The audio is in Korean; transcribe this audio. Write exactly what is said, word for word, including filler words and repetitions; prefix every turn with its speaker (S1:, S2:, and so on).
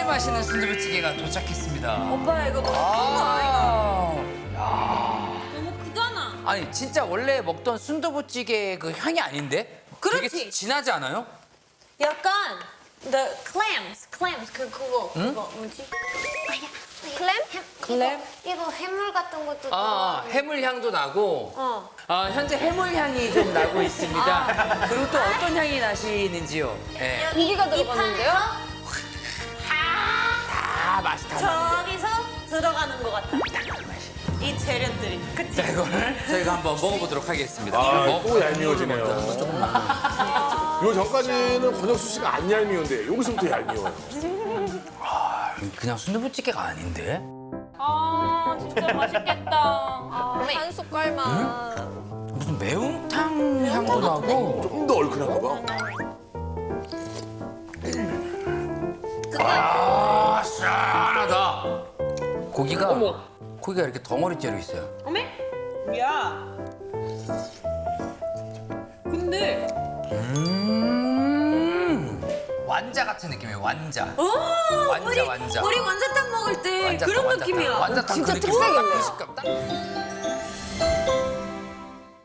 S1: 맛있는 순두부찌개가 도착했습니다.
S2: 오빠 이거 너무 큰 거 아이가?
S1: 아,
S2: 너무 크잖아.
S1: 아니 진짜 원래 먹던 순두부찌개 그 향이 아닌데?
S2: 그렇지.
S1: 되게 진하지 않아요?
S2: 약간 the clams, clams 그 그거 그거 뭐지?
S3: 클램?
S2: 클램?
S3: 이거, 이거 해물 같은 것도
S1: 아, 해물 향도 나고.
S2: 어.
S1: 아, 현재 해물 향이 좀 나고 있습니다. 그리고 또 어떤 향이 나시는지요? 네.
S3: 고기가 들어갔는데요?
S1: 다 맛이 다 나는
S2: 저기서 들어가는 것 같다. 이 재료들이. 그치?
S1: 자, 이거를 저희가 한번 먹어보도록 하겠습니다.
S4: 아,
S1: 먹-
S4: 또 얄미워지네요.
S1: 먼저 조금 먹고.
S4: 요 전까지는 권혁수 씨가 안 얄미운데 여기서부터 얄미워요.
S1: 그냥 순두부찌개가 아닌데?
S2: 아 진짜 맛있겠다.
S3: 한 숟갈만.
S1: 무슨 매운탕 향도 나고.
S4: 좀 더 얼큰한가 봐.
S1: 아, 시원하다. 고기가 고기가 이렇게 덩어리째로 있어요.
S2: 어메? 야. 근데
S1: 음, 완자 같은 느낌이에요. 완자.
S2: 오
S1: 완자,
S2: 우리
S1: 완자.
S2: 우리 완자탕 먹을 때
S1: 완자탕,
S2: 그런
S1: 완자탕.
S2: 느낌이야.
S1: 완자탕
S3: 진짜
S1: 그 느낌.
S3: 특색이네.
S1: 딱 그 식감. 딱.